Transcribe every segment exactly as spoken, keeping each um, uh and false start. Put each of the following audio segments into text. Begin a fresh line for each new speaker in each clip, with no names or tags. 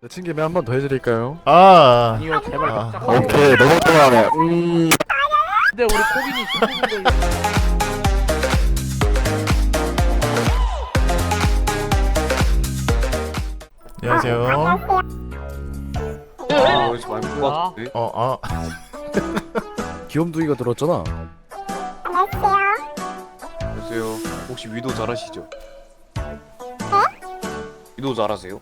내친 김에 한 번 더 해드릴까요?
아,
아니요 제발
아,
깜짝
오케이 너무 좋아하네. 음.
근데 우리 코빈이 중국인 걸로
안녕하세요.
아, 여기서 많이 본것
아.
같은데?
어, 아,
귀염둥이가 들었잖아.
안녕하세요. 혹시 위도 잘하시죠? 위도 잘하세요?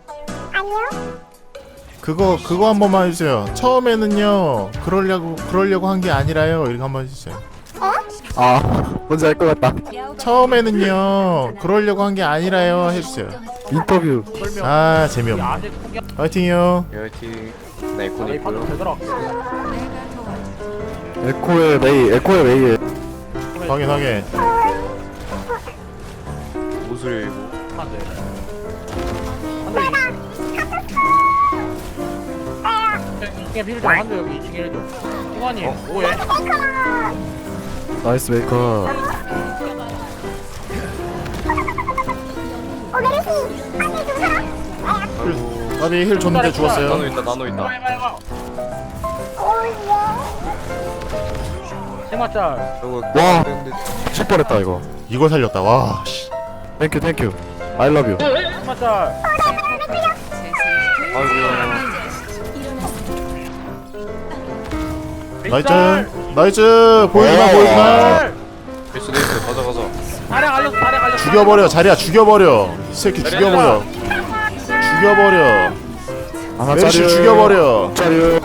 그거 그거 한 번만 해주세요. 처음에는요, 그러려고 그러려고 한 게 아니라요. 이렇게 한번 해주세요.
아 뭔지 알 것 같다.
처음에는요, 그러려고 한 게 아니라요. 해주세요.
인터뷰.
설명
아,
우리
재미없네.
아재 포기
화이팅이요.
예, 화이팅. 네,
이
에코니
판도
있고요.
제대로 할게
에코의 메이, 에코의 메이.
확인 확인.
무술 일고.
한대 한대 이층에 필 좀 한대 여기 이층에 해줘 승환이 뭐해?
나이스 메이커.
아이고.
나비 힐 줬는데
나노
죽었어요.
있다, 나노 있다.
해봐 해봐 세마짤
아이고,
와.
근데
칠 뻔했다 이거.
이걸 살렸다. 와, 씨.
땡큐 땡큐. I love you.
세마짤
아이고.
나이스, 나이스. 보이지마, 보이지마.
됐어, 됐어. 가자, 가자.
다량 알렸어 다량 알렸어
죽여버려, 자리야, 죽여버려. 이 새끼 죽여버려. 죽여버려.
하나
메르시 죽여버려.
짜리.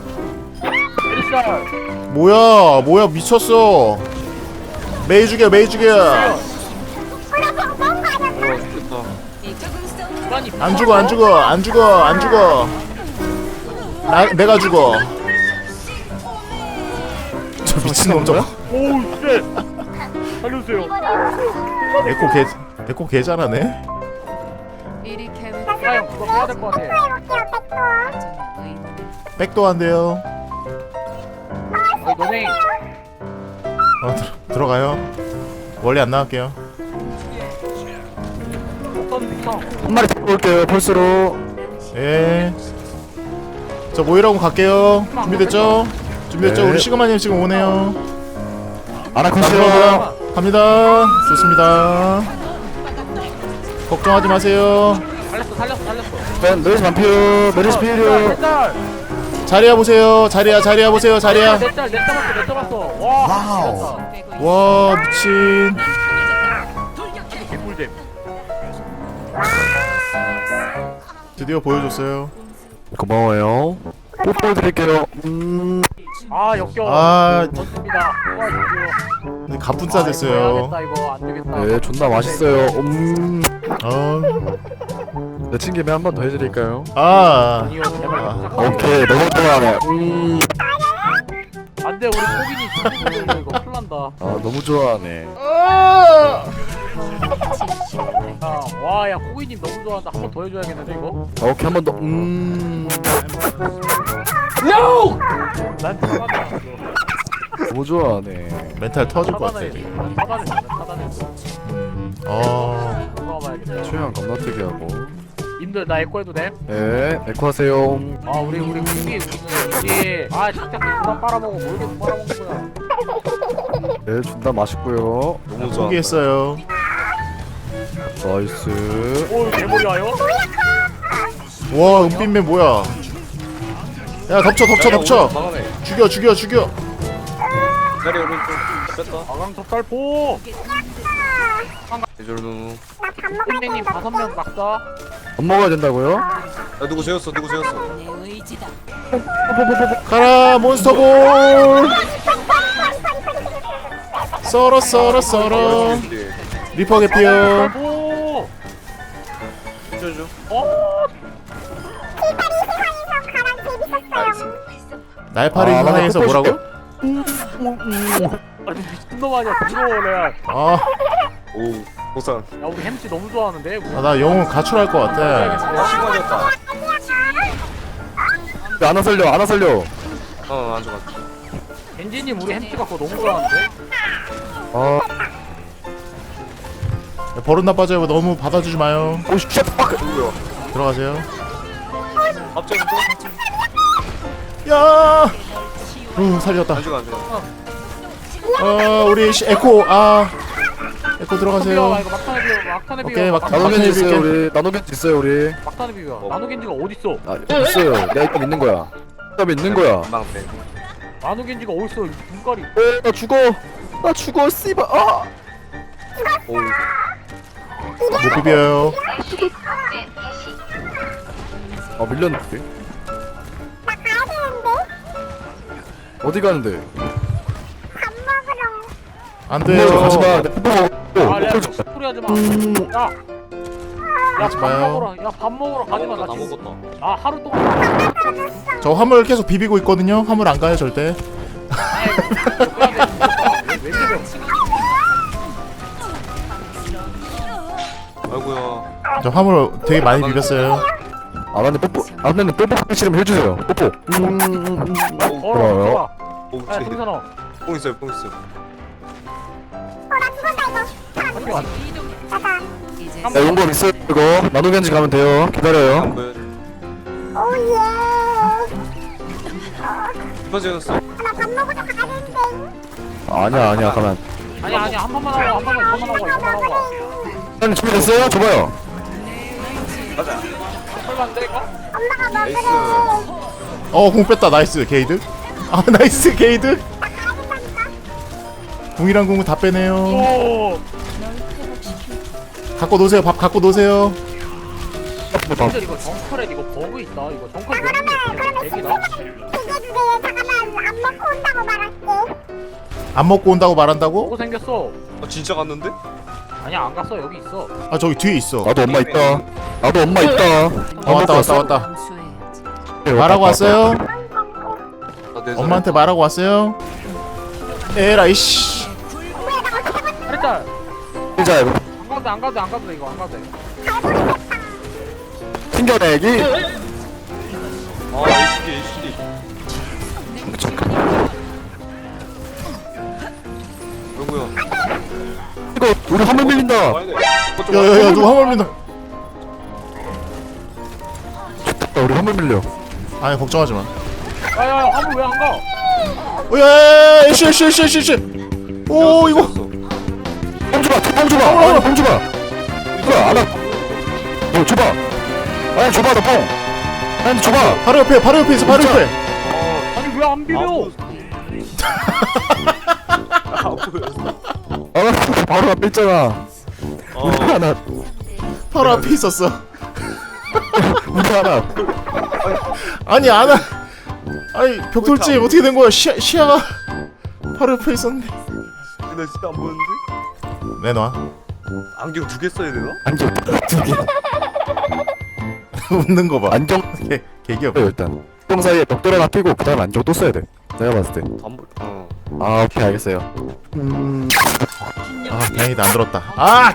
일살
뭐야, 뭐야, 미쳤어. 메이 죽여, 메이 죽여.
와, 죽겠다.
승환이
안 죽어, 안 죽어, 안 죽어, 안 죽어. 나, 내가 죽어. 저 미친놈 저거.
오우 쉣 살려주세요
에코 개, 에코 개 잘하네.
승환 그거 해야 될 것 같아
백도 한대요.
어이 너네
어, 들, 들어가요. 원래 안 나갈게요.
어떤 빅성
한 마리 잡고 올게요. 펄스로.
예. 저 모이라고 갈게요. 준비됐죠? 준비됐죠?
네.
우리 시그마님 지금 오네요.
아나콘스요.
갑니다. 좋습니다. 걱정하지 마세요.
살렸어 살렸어 살렸어
메르시 반피오. 메르시 피리오.
넷짤
자리야 보세요. 자리야, 자리야 보세요. 자리야.
넷짤 넷 잡았어 넷 잡았어 와
와우.
됐다.
와, 미친.
개꿀잼
드디어 보여줬어요.
고마워요. 뽀뽀 드릴게요. 음.
아 역겨워
아,
좋습니다 와 역겨워
갑분싸 됐어요.
아, 이거 해야겠다 이거 안 되겠다
네 존나 맛있어요. 음.
어.
내친 김에 한 번 더 해드릴까요?
아.
아니요 제발
아,
깜짝
오케이 너무 좋아하네. 음.
안돼 우리 코빈이 중국인 걸로 이거 큰일 난다
아 너무 좋아하네.
와야 코빈님 너무 좋아한다 한 번 더 해줘야겠는데 이거
아, 오케이 한 번 더. 음.
난 차단해
너무 좋아하네.
멘탈 터질 것 같아.
차단해 차단해 차단해
어.
돌아와봐야겠다
취향 겁나 특이하고.
님들 나 에코 해도 돼?
네 에코 하세요.
아 우리 우리 우리 우리 아 작작이 그만 빨아먹어 뭘 계속 빨아먹는 거야
네 존나 맛있고요.
너무 좋아.
포기했어요.
나이스.
오 개머리 와요?
와, 은빛맨 뭐야? 야, 덮쳐, 덮쳐, 덮쳐.
막아내.
죽여, 죽여, 죽여.
자리 오른쪽. 뺐다.
아강 톱살포
대절 누누.
선생님 다섯 명 막다
밥 먹어야 된다고요?
야, 누구 재웠어? 누구 재웠어?
가라, 몬스터볼. 썰어, 썰어, 썰어. 리퍼 개피요.
오
쳐줘.
어?
날파리
아,
현장에서
나
뭐라고?
아니 미친놈 아니야 부러워 레알
아,
오, 보상.
야 우리 햄찌 너무 좋아하는데 우리
아, 나 영혼 가출할 것 같아.
시간이었다.
안아 살려 안아 살려.
어, 안 좋았다.
겐지님 우리 햄찌 갖고 너무 좋아하는데?
아
버릇 나빠져요. 너무 받아주지 마요.
오씨 쉣 빡.
누구야?
들어가세요.
갑자기 또?
야. 어 살렸다.
안 죽어 안 죽어.
어 우리 시- 에코 아 에코
비벼
들어가세요.
이거 막탄에 비벼 막탄에 비벼
오케이, 막-
막탄에
나노겐지
막탄에
있어요
비빌게.
우리. 나노겐지 있어요 우리.
막탄에 비벼
어.
나노겐지가 어딨어
아 있어요. 내가 일단 있는 거야. 일단 있는 거야.
금방 빼.
나노겐지가 어딨어 이 눈깔이
어, 나 죽어. 나 죽어. 씨발. 아.
오우.
못 비벼요.
아 밀렸는데. 어디 가는데?
안
네,
돼요.
가지 마. 내 뽀뽀 먹어.
아 레아
뽀뽀
저
줘.
소리 하지마
음.
야
하지
야밥
마요.
먹으러 야밥 먹으러 가지마 나
다
지금
먹었다.
아 하루 동안
저 화물 계속 비비고 있거든요. 화물 안 가요 절대.
왜 비벼
아이고야.
저 화물 되게 많이 비볐어요.
아나님 뽀뽀. 아나님 뽀뽀 하기 싫으면 해주세요. 뽀뽀. 음, 음, 음.
걸어
고마워요.
좋아
오우
야
쟤.
승선아
뽕 있어요 뽕 있어요.
야 용검 있어요 이거. 나노겐지 가면 돼요. 기다려요.
안 보여. 깊어졌어.
아니야 아니야 가만.
아니 아니 한 번만 하고 한 번만 한 번만 하고 이거만 하고 와.
아니 준비됐어요? 줘봐요.
가자.
설마 안 돼, 이거?
나이스.
어공 뺐다. 나이스 게이드. 아 나이스 게이드. 궁이랑 궁은 다 빼네요.
오
갖고 노세요. 밥 갖고 노세요.
근데 이거 정크렛 이거 버그 있다 이거 정크렛 넣는 게 그냥 대기다
안 먹고 온다고 말한다고?
버그 생겼어
어 진짜 갔는데?
아니야 안 갔어 여기 있어
아 저기 뒤에 있어.
나도 엄마 있다. 나도 엄마 있다.
아 왔다 왔다 왔다. 말하고 왔어요?
나내
엄마한테 말하고 왔어요? 에라이 씨.
일단
진짜 이거
안 가도 돼, 안 가도 돼, 안 가도 돼 이거 안 가도 돼
튕겨내기.
아 에이치디 에이치디. 아이고야.
이거 우리 화물 밀린다.
와야 돼.
야야야 누가 화물 민다.
야, 우리 화물 밀려.
아니 걱정하지 마.
야야야 화물 왜 안 가?
야야야 쉬쉬쉬쉬쉬. 오 이거.
뽕 줘봐. 뽕 줘봐. 아니 뽕 줘봐. 이거 안아. 뭐 줘봐. 아니 줘봐 너 뽕. 아니 줘봐.
바로 옆에 바로 옆에 있어 바로
진짜.
옆에.
아니 왜 안 비벼?
아 보였어.
아 바로 앞에 있잖아. 우리 하나.
바로 앞에 있었어.
우리 하나.
아니 안아. 아니 벽돌집 어떻게 된 거야? 시야 시야가 바로 옆에 있었는데.
나 진짜 안 보였는데?
내놔.
안경 두 개 써야 되나?
안경 두 개.
웃는 거 봐.
안경
개 개기업.
써요 일단. 똥 사이에 벽돌 하나 끼고 그다음 안경 또 써야 돼. 내가 봤을 때.
안 보. 어.
아 오케이 알겠어요. 음.
아 다행이다 안 들었다. 아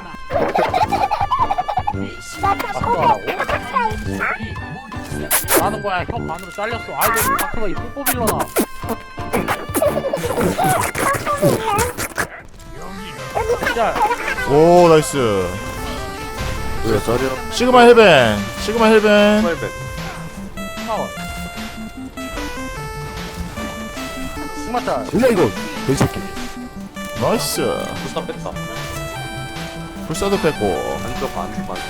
하는 거야 혀 반으로 잘렸어 아이고 다크가 이 뽀뽀 빌려나 진짜
오 나이스.
왜 저려?
시그마 헬벤. 시그마 헬벤.
스마일백.
나와 승마짤
일라 이거 돼지새끼.
나이스.
부스터 뺐다.
불사도 뺐고.
안 들어가 안 들어가.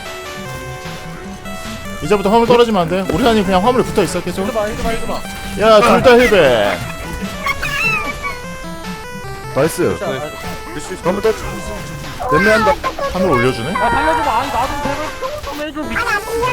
이제부터 화물 떨어지면 안 돼. 우리 한이 그냥 화물에 붙어 있어 계속.
이거 봐 이거 봐 이거 봐
야 둘 다 헬벤.
나이스.
밀수 있어.
한번 더. 연매한다.
하늘 올려주네.
야 살려줘봐 아니 나좀 제발 좀 해줘 미친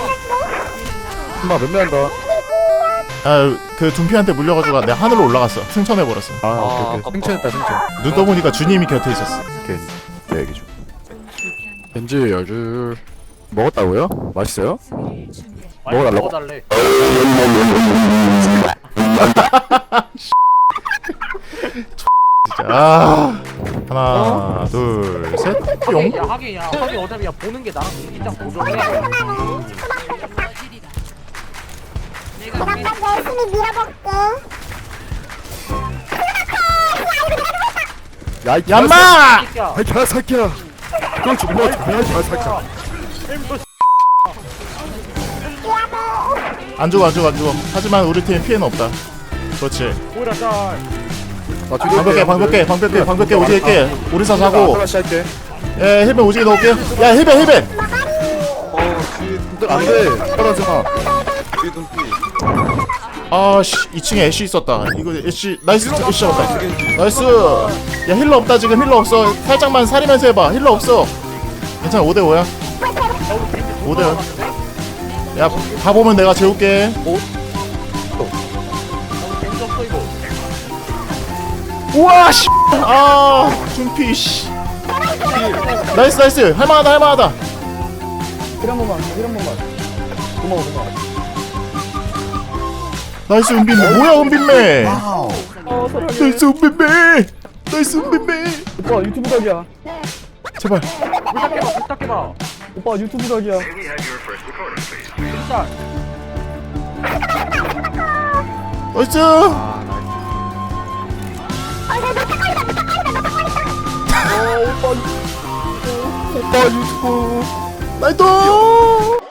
엄마 연매한다.
아그 둠피한테 물려가지고 내가 하늘로 올라갔어. 승천해 버렸어.
아
아,
오케이 오케이.
아깝다.
승천했다 승천.
눈 떠보니까 주님이 곁에 있었어.
오케이. 내 얘기 좀. 겐지 열줄 먹었다고요? 맛있어요?
많이
먹어달라고?
먹어달래
진짜. 아 하나 둘 셋. 뿅.
야 하긴 야 하긴 어차피 야 보는 게 나랑 진짜 고정해
야, 이
얌마.
새끼야
아이 개새끼야. 그걸 죽여. 야, 개새끼야.
안 죽어 안 죽어 안 죽어. 하지만 우리 팀 피해는 없다. 그렇지.
오히려 짤.
나
방벽해 방벽해 방벽해 방벽해 오지게 깨. 오리사 사고.
플래시 할게.
예 힐벤 오지게 넣을게. 야 힐벤 힐벤.
어 뒤에
안돼 떨어지 마.
뒤에 눈빛.
아씨 이 층에 애쉬 있었다. 이거 애쉬 나이스 애쉬 잡았다. 나이스. 야 힐러 없다 지금 힐러 없어. 살짝만 사리면서 해봐. 힐러 없어. 괜찮아 오 대 오야. 오 대 오. 야 가보면 내가 재울게.
재밌었어 이거.
우와 씨. 아 준피 씨. 나이스 나이스 할만하다 할만하다.
힐한 번만, 힐한 번만. 고마워, 고마워.
나이스 은빈매 뭐야 은빈매.
어, 사랑해.
나이스 은빈매. 나이스 은빈매.
오빠 유튜브 각이야.
제발.
부탁해봐 부탁해봐.
오빠 유튜브 각이야.
진짜.
나이스.
아 나이스.
오빠 유튜브.
나이스.